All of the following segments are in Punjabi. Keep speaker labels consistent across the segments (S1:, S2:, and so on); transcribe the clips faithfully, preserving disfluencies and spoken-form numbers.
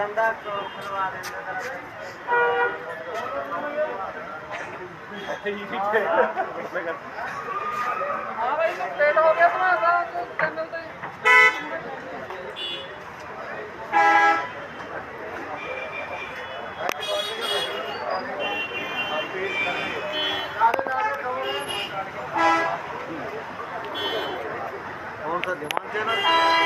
S1: गंदा खुलवा देंगे हाँ भाई तो पेट हो गया तुम्हारा तो चैनल पे कौन सा दिमाग चैनल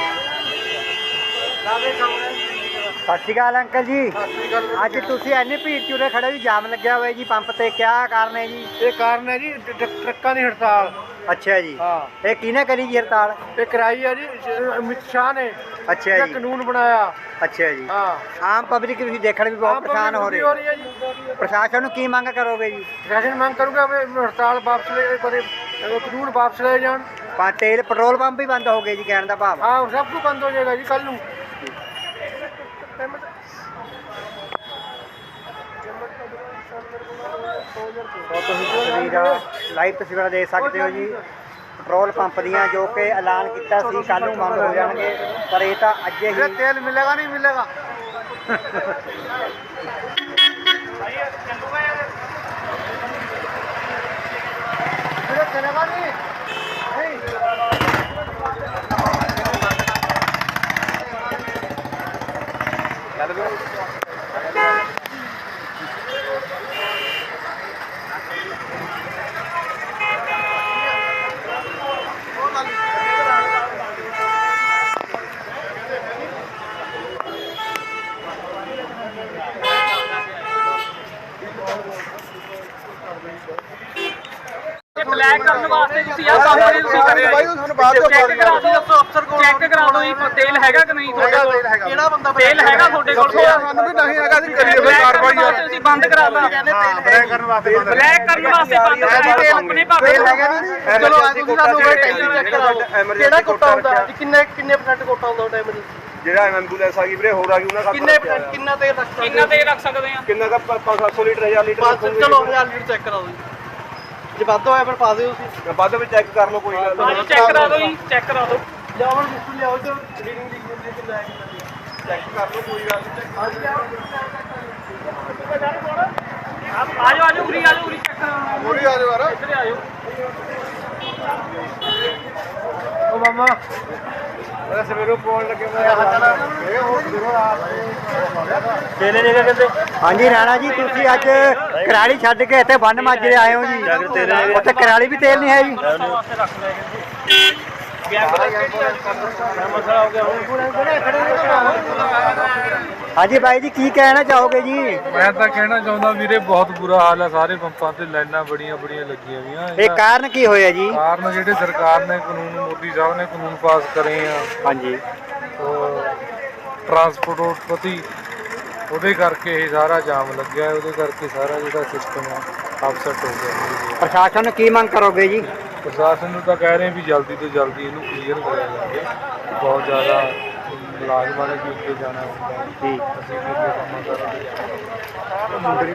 S2: ਸਤਿ ਸ਼੍ਰੀ ਅਕਾਲ ਅੰਕਲ ਜੀ। ਅੱਜ ਤੁਸੀਂ ਇੰਨੀ ਭੀੜ ਚੁਰੇ ਖੜੇ ਵੀ ਜਾਮ ਲੱਗਿਆ ਹੋਇਆ ਜੀ ਪੰਪ ਤੇ, ਕਿਆ ਕਾਰਨ ਹੈ ਜੀ?
S3: ਇਹ ਕਾਰਨ ਹੈ ਜੀ ਟਰੱਕਾਂ ਦੀ ਹੜਤਾਲ।
S2: ਅੱਛਾ ਜੀ,
S3: ਹਾਂ
S2: ਇਹ ਕਿਹਨੇ ਕਰੀ ਜੀ ਹੜਤਾਲ?
S3: ਇਹ ਕਰਾਈ ਹੈ ਜੀ ਅਮਿਤ ਸ਼ਾਹ ਨੇ।
S2: ਅੱਛਾ
S3: ਇਹ
S2: ਜੀ,
S3: ਕਾਨੂੰਨ ਬਣਾਇਆ।
S2: ਅੱਛਾ ਜੀ।
S3: ਹਾਂ
S2: ਆਮ ਪਬਲਿਕ ਤੁਸੀਂ ਦੇਖਣ ਵੀ ਬਹੁਤ ਪਰੇਸ਼ਾਨ ਹੋ ਰਹੀ
S3: ਹੈ ਜੀ।
S2: ਪ੍ਰਸ਼ਾਸਨ ਨੂੰ ਕੀ ਮੰਗ ਕਰੋਗੇ ਜੀ?
S3: ਪ੍ਰਸ਼ਾਸਨ ਮੰਗ ਕਰੂਗਾ ਵੀ ਹੜਤਾਲ ਵਾਪਸ ਲੈ ਕਰੇ, ਕਾਨੂੰਨ ਵਾਪਸ ਲੈ ਜਾਣ।
S2: ਪਾ ਤੇਲ ਪੈਟਰੋਲ ਪੰਪ ਵੀ ਬੰਦ ਹੋ ਗਏ ਜੀ, ਕਹਿਣ ਦਾ ਭਾਵ।
S3: ਹਾਂ ਸਭ ਕੁਝ ਬੰਦ ਹੋ ਜਾਏਗਾ ਜੀ ਕੱਲ ਨੂੰ।
S2: ਲਾਈਵ ਤਸਵੀਰਾਂ ਦੇਖ ਸਕਦੇ ਹੋ ਜੀ ਪੈਟਰੋਲ ਪੰਪ ਦੀਆਂ, ਜੋ ਕਿ ਐਲਾਨ ਕੀਤਾ ਸੀ ਕੱਲ ਨੂੰ ਬੰਦ ਹੋ ਜਾਣਗੇ, ਪਰ ਇਹ ਤਾਂ ਅੱਜ ਹੀ।
S3: ਤੇਲ ਮਿਲੇਗਾ ਨਹੀਂ ਮਿਲੇਗਾ? ਚਲੇਗਾ ਨਹੀਂ
S1: ब्लैक करने वास्ते ਤੁਸੀਂ ਆ ਕੰਮ ਨਹੀਂ ਤੁਸੀਂ ਕਰਿਆ
S3: ਬਾਈ ਤੁਹਾਨੂੰ ਬਾਅਦ ਵਿੱਚ
S1: ਚੈੱਕ ਕਰਾ ਦਿਓ, ਦੱਸੋ ਅਫਸਰ ਕੋਲ ਚੈੱਕ ਕਰਾ ਦਿਓ ਜੀ ਤੇਲ ਹੈਗਾ ਕਿ ਨਹੀਂ ਤੁਹਾਡੇ ਕੋਲ?
S3: ਕਿਹੜਾ ਬੰਦਾ
S1: ਤੇਲ ਹੈਗਾ ਤੁਹਾਡੇ ਕੋਲ?
S3: ਸਾਨੂੰ ਵੀ ਨਹੀਂ ਹੈਗਾ, ਅਸੀਂ ਕਰੀਏ ਫਿਰ ਕਾਰਵਾਈ ਯਾਰ।
S1: ਤੁਸੀਂ ਬੰਦ ਕਰਾਤਾ
S3: ਬਲੈਕ ਕਰਨ ਵਾਸਤੇ ਬੰਦ
S1: ਬਲੈਕ ਕਰਨ ਵਾਸਤੇ ਬੰਦ ਕਰਾਤਾ ਕੰਪਨੀ ਭਾਵੇਂ
S3: ਹੈਗਾ ਨਹੀਂ। ਚਲੋ ਅੱਜ ਤੁਸੀਂ ਸਾਨੂੰ ਟੈਂਕੀ ਚੈੱਕ ਕਰਾਓ ਕਿਹੜਾ ਕੋਟਾ ਹੁੰਦਾ ਜੀ, ਕਿੰਨੇ ਕਿੰਨੇ ਪਰਸੈਂਟ ਕੋਟਾ ਹੁੰਦਾ ਟਾਈਮ ਜੀ?
S4: ਜਿਹੜਾ ਐਂਬੂਲੈਂਸ ਆ ਗਈ ਵੀਰੇ ਹੋਰ ਆ ਗਈ ਉਹਨਾਂ ਦਾ
S3: ਕਿੰਨੇ ਕਿੰਨਾ ਤੇਲ ਰੱਖ ਸਕਦੇ?
S1: ਕਿੰਨਾ ਤੇਲ ਰੱਖ ਸਕਦੇ ਆ?
S4: ਕਿੰਨਾ ਦਾ ਪੰਜ ਸੱਤ ਸੌ ਲੀਟਰ ਹਜ਼ਾਰ ਲੀਟਰ
S3: ਬਸ ਚਲੋ ਹਜ਼ਾਰ ਲੀਟਰ ਚੈੱਕ ਕਰਾਓ ਜੀ, ਜੇ ਵੱਧ ਹੋਇਆ ਫਿਰ ਪਾ ਦਿਓ ਤੁਸੀਂ।
S4: ਵੱਧ ਵਿੱਚ ਚੈੱਕ ਕਰ ਲਓ ਕੋਈ ਗੱਲ ਨਹੀਂ।
S1: ਹਾਂਜੀ ਚੈੱਕ ਕਰਾ ਦਿਓ ਜੀ, ਚੈੱਕ ਕਰਾ ਦਿਓ।
S3: ਜਾਵਣ ਬਿਸਕੁਟ ਲਿਆਓ ਤੇ ਰੀਡਿੰਗ ਲਿਖ ਦਿੰਦੇ ਕਿ ਲੈ
S4: ਚੈੱਕ ਕਰ ਲਓ ਕੋਈ ਗੱਲ ਨਹੀਂ।
S1: ਆ ਜਾਓ ਆ ਜਾਓ ਉਰੀ ਆ ਜਾਓ ਉਰੀ ਚੈੱਕ ਕਰਾਉਣਾ
S3: ਪੂਰੀ ਆ ਜਾਓ ਯਾਰ।
S1: ਇੱਧਰ ਆ ਜਾਓ।
S3: ਓ ਮਾਮਾ
S4: ਮੈਂ ਸਵੇਰੋਂ ਪੌਣ ਲੱਗੇ ਮੈਂ ਇਹ ਹੋਰ ਦੇਖੋ
S3: ਤੇਲੇ ਲੈ ਕੇ ਕਿੱਥੇ?
S2: ਹਾਂਜੀ ਰਾਣਾ ਜੀ, ਤੁਸੀਂ ਅੱਜ ਕਰਾਲੀ ਛੱਡ ਕੇ ਇੱਥੇ ਬੰਨ ਮਾਜਰੇ ਆਏ ਹੋ ਜੀ, ਉੱਥੇ ਕਰਾਲੀ ਵੀ ਤੇਲ ਨਹੀਂ ਹੈ ਜੀ?
S1: ਵਾਸਤੇ ਰੱਖ ਲੈ
S3: ਮਸਲਾ ਹੋ ਗਿਆ
S2: ਹਾਂਜੀ ਬਾਈ ਜੀ, ਕੀ ਕਹਿਣਾ ਚਾਹੋਗੇ ਜੀ?
S5: ਮੈਂ ਤਾਂ ਕਹਿਣਾ ਚਾਹੁੰਦਾ ਵੀਰੇ ਬਹੁਤ ਬੁਰਾ ਹਾਲ ਹੈ, ਸਾਰੇ ਪੰਪਾਂ ਤੇ ਲਾਈਨਾਂ ਬੜੀਆਂ ਬੜੀਆਂ ਲੱਗੀਆਂ ਹੋਈਆਂ।
S2: ਇਹ ਕਾਰਨ ਕੀ ਹੋਇਆ ਜੀ?
S5: ਕਾਰਨ ਜਿਹੜੇ ਸਰਕਾਰ ਨੇ ਕਾਨੂੰਨ, ਮੋਦੀ ਸਾਹਿਬ ਨੇ ਕਾਨੂੰਨ ਪਾਸ ਕਰੇ ਆ
S2: ਹਾਂਜੀ,
S5: ਟਰਾਂਸਪੋਰਟ ਪ੍ਰਤੀ, ਉਹਦੇ ਕਰਕੇ ਇਹ ਸਾਰਾ ਜਾਮ ਲੱਗਿਆ, ਉਹਦੇ ਕਰਕੇ ਸਾਰਾ ਜਿਹੜਾ ਸਿਸਟਮ ਆ ਅਪਸੈਟ ਹੋ ਗਿਆ।
S2: ਪ੍ਰਸ਼ਾਸਨ ਨੂੰ ਕੀ ਮੰਗ ਕਰੋਗੇ ਜੀ?
S5: ਪ੍ਰਸ਼ਾਸਨ ਨੂੰ ਤਾਂ ਕਹਿ ਰਹੇ ਵੀ ਜਲਦੀ ਤੋਂ ਜਲਦੀ ਇਹਨੂੰ ਕਲੀਅਰ ਕਰਿਆ ਜਾਵੇ। ਬਹੁਤ ਜ਼ਿਆਦਾ ਮੁਲਾਜ਼ਮਾਂ ਨੇ ਵੀ ਅੱਗੇ ਜਾਣਾ ਹੁੰਦਾ,
S2: ਜੀ
S5: ਅਸੀਂ ਵੀ ਅੱਗੇ ਕੰਮ ਕਰਾਂਗੇ।